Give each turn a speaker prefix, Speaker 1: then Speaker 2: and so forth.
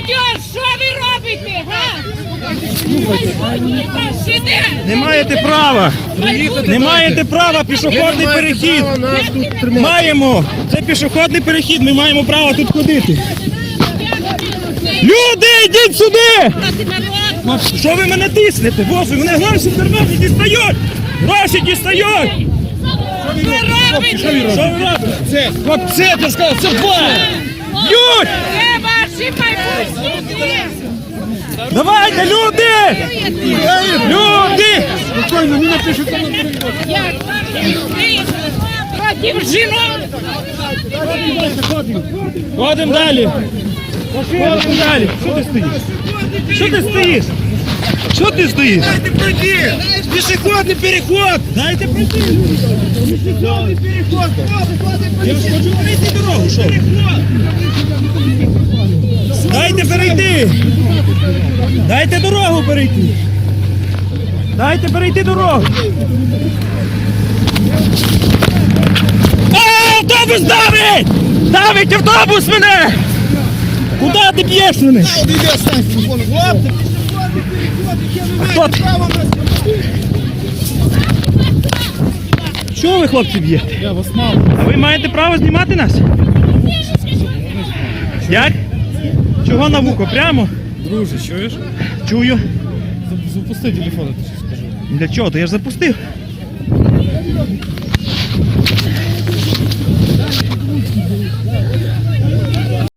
Speaker 1: Молодь, що ви робите, га?
Speaker 2: Не маєте права. Не маєте права, пішохідний перехід. Маємо. Це пішохідний перехід, ми маємо право тут ходити. Люди, йдіть сюди! Що ви мене тиснете? Боже, мене гроші в кармані дістають! Гроші дістають! Що ви робите? Це, хлопці, ти сказав, це два! Б'ють!
Speaker 1: Це ваші майбутні!
Speaker 2: Давайте, люди! Люди!
Speaker 3: Спокійно, не напишуть там на переход.
Speaker 1: Проти жінок!
Speaker 2: Ходимо далі! Ходимо далі! Що ти стоїш? Що ти стоїш? Що ти стоїш? Дайте пройти! Пішохідний переход! Дайте пройти! Пішохідний переход! Я ж хочу перейти дорогу, що? Дайте перейти! Дайте дорогу перейти! Дайте перейти дорогу! Автобус давить! Давить автобус мене! Куди ти б'єш мене? Хто ти? Чого ви, хлопці, б'єте?
Speaker 3: Я вас мав.
Speaker 2: А ви маєте право знімати нас? Як? Чого на вухо? Прямо?
Speaker 3: Друже, чуєш?
Speaker 2: Чую.
Speaker 3: Запусти телефон, я тобі скажу.
Speaker 2: Для чого? То я ж запустив.